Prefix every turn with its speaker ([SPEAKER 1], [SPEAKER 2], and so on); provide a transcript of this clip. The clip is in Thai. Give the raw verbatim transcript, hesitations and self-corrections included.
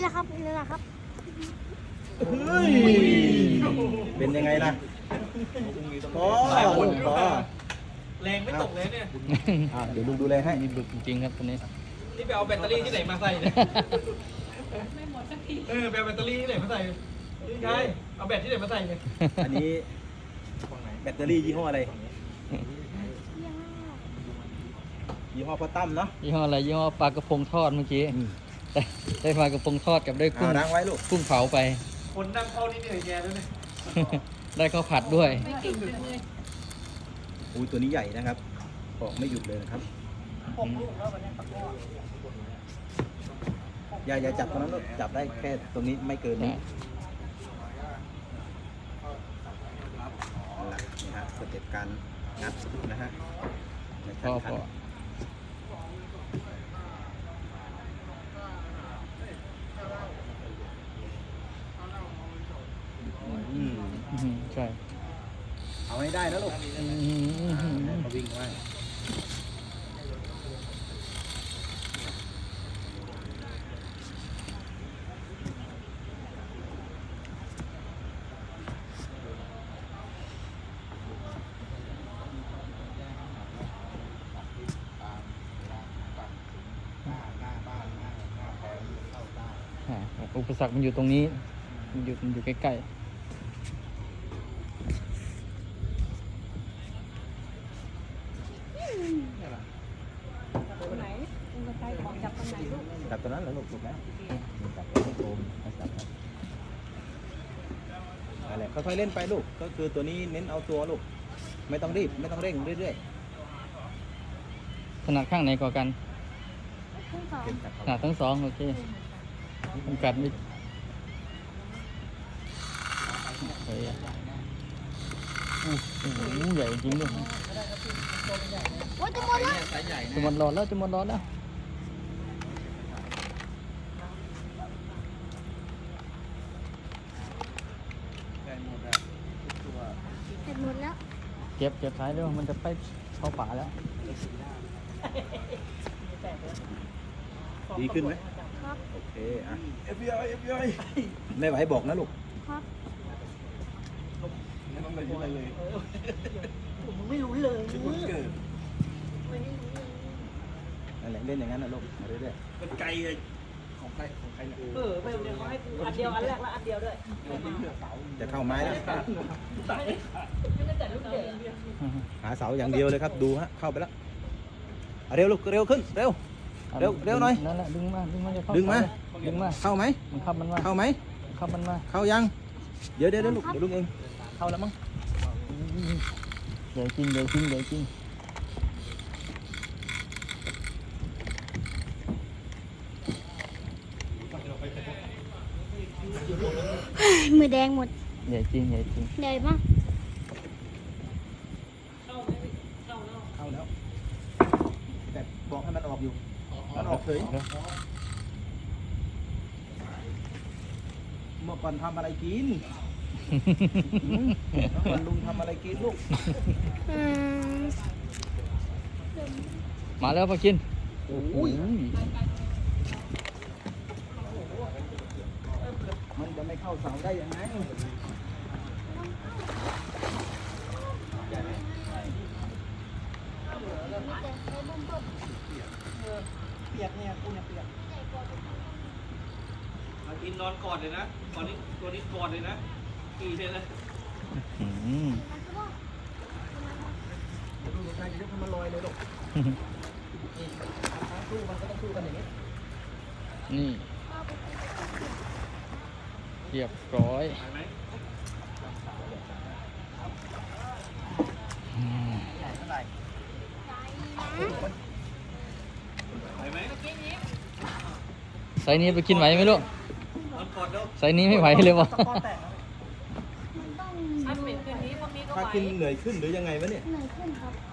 [SPEAKER 1] นี่แหละครับนี่แหละครับ
[SPEAKER 2] เฮ้ยเป็นยังไงล่ะพอพอ
[SPEAKER 3] แรงไม่ตกเลยเนี่ย
[SPEAKER 2] อ่ะเดี๋ยวลุงดูแลให้
[SPEAKER 4] มีบึกจริงๆครับตัวนี้
[SPEAKER 3] นี่ไปเอาแบตเตอรี่ที่ไหนมาใส่เนี่ยไม่หมดสักทีเออไปเอาแบตเตอรี่ที่ไหนมาใส่นี่ไงเอาแบตที่ไหนมาใส่เนี่ย
[SPEAKER 2] อันนี้แบตเตอรี่ยี่ห้ออะไรยี่ห้อพ่อตั้มเนาะ
[SPEAKER 4] ยี่ห้ออะไรยี่ห้อปลากระพงทอดเมื่อกี้ได้ได้ปลากระพงทอดกับได้กุ้ง
[SPEAKER 2] เอาล้างไว้ลูก
[SPEAKER 4] กุ้งเผาไป
[SPEAKER 3] คนนั่งเข้านี่เหนื่อยแกแล้วเนี่ย
[SPEAKER 4] ได้ข้าวผัดด้วย
[SPEAKER 2] อุ้ยตัวนี้ใหญ่นะครับออกไม่หยุดเลยนะครับอย่าอย่าจับตรงนั้นลูกจับได้แค่ตรงนี้ไม่เกินนี้เอาล่ะนี่ฮะสเต็ปการงัดนะฮะใน
[SPEAKER 4] พ
[SPEAKER 2] ขั้น
[SPEAKER 4] อ
[SPEAKER 2] ขั้
[SPEAKER 4] พ
[SPEAKER 2] น
[SPEAKER 4] อ
[SPEAKER 2] อืม
[SPEAKER 4] อื้อหือใช่
[SPEAKER 2] เอาให้ได้นะลูก
[SPEAKER 4] อื้อหืออื้อหือ
[SPEAKER 2] มาวิ่งไว้
[SPEAKER 4] อ่าอุปสรรคมันอยู่ตรงนี้มันอยู่มันอยู่ใกล้
[SPEAKER 1] ตรงไหนตรงกระไกของจับตรงไหนลูก
[SPEAKER 2] จับตัวนั้นแล้วลูกถูกแล้วจับตัวนี้โอมให้จับครับอะไรค่อยๆเล่นไปลูกก็คือตัวนี้เน้นเอาตัวลูกไม่ต้องรีบไม่ต้องเร่งเรื่อย
[SPEAKER 4] ๆถนัดข้างไหนกว่ากัน
[SPEAKER 1] ขึ้นสอง
[SPEAKER 2] ๆเก็บจับ
[SPEAKER 4] ถนัดทั้งสองโอเคจำกัดไม่โอ้ยอู้หูใหญ่จริงด้วย
[SPEAKER 1] โอ้ยจะหมดแล้ว
[SPEAKER 4] จะหมดหลอดแล้วจะหมดหลอดแล้ว
[SPEAKER 1] เสร็จหมดแล้ว
[SPEAKER 4] เก็บเก็บท้ายด้วยมันจะไปเข้าป่าแล้ว
[SPEAKER 2] ดีขึ้นไหม
[SPEAKER 1] ครับ
[SPEAKER 2] โอเคอ่ะ
[SPEAKER 3] เอฟบีไอเอฟบีไอ
[SPEAKER 2] ไม่ไหวบอกนะลูก
[SPEAKER 1] ครับ
[SPEAKER 3] ไม่ต้องเลยอะไรเลย
[SPEAKER 1] ผมไม่รู้เลย
[SPEAKER 3] ที่คนเกิด
[SPEAKER 2] นั่นแหละเล่นอย่างนั้นนะลูกมาเรื่อย
[SPEAKER 3] มันไกลเลยของใครของใครเนี่ย
[SPEAKER 5] เออไปเดี๋ยวเขาให้กูอันเดียวอันแรกแล้วอันเดียวด้วย
[SPEAKER 2] ๆจะเข้าไม้แล้ว
[SPEAKER 5] ไม่ได้แต่ลูกเด็ก
[SPEAKER 2] หาเสาอย่างเดียวเลยครับดูฮะเข้าไปแล้วเอาเร็วลูกเร็วขึ้นเร็ว เร็วเร็วหน่อย
[SPEAKER 4] นั่นแหละดึงมาดึงมาจะเข้า
[SPEAKER 2] ดึงมา
[SPEAKER 4] ดึงมา
[SPEAKER 2] เข้าไหม
[SPEAKER 4] มันขับมันมา
[SPEAKER 2] เข้าไหม
[SPEAKER 4] มันขับมันมา
[SPEAKER 2] เข้ายังเดี๋ยวเดี๋ยวเดี๋ยวลูกเดี๋ยวลูกเองเข้าแล้วมั้ง
[SPEAKER 4] ใหญ่จริงใหญ่จริงใหญ่จริง
[SPEAKER 1] มือแดงหมด
[SPEAKER 4] ใหญ่จริงใหญ่จริง
[SPEAKER 1] เหนื่อยมั้ง
[SPEAKER 2] เข้าแล้วแต่บอกให้มันออกอยู่มันออกเฉย
[SPEAKER 4] เดี๋ยว
[SPEAKER 2] เมื่อก่อนทำอะไรกินหืมเมื่อก่อนลุงทำอะไรกินลูก
[SPEAKER 1] อืม
[SPEAKER 4] มาแล้วปากิน
[SPEAKER 2] โอ้
[SPEAKER 4] โอ้
[SPEAKER 2] ย
[SPEAKER 4] ย
[SPEAKER 2] มันจะไม่เข้าเสาได้ยังไง
[SPEAKER 5] เปียกเนี่ยกูเนี่ยเปียก
[SPEAKER 3] มากินนอนกอดเลยนะตอนนี้ตัวนี้กอดเลยนะกี่เซนเลย
[SPEAKER 4] อืม
[SPEAKER 2] ดูใครจะทำมันลอยเลยลูก
[SPEAKER 5] สู้มันก็ต้องสู้กันอย่างนี้
[SPEAKER 4] นี่เรียบร้อย
[SPEAKER 3] ไปไหม
[SPEAKER 4] อืม
[SPEAKER 3] ไปไหม
[SPEAKER 4] ไซส์นี้ไปกินไหวไหมลูก
[SPEAKER 3] นอนกอดแล้ว
[SPEAKER 4] ไซส์นี้ไม่ไหวเลยวะ
[SPEAKER 5] ตะกอนแตกอันเป็นคืนนี้พวกนี้ก็
[SPEAKER 2] ถ้า
[SPEAKER 5] ไหว
[SPEAKER 2] ขึ้นเหนื่อยขึ้นหรือยังไงวะเนี่ย
[SPEAKER 1] เหนื่อยขึ้นครับ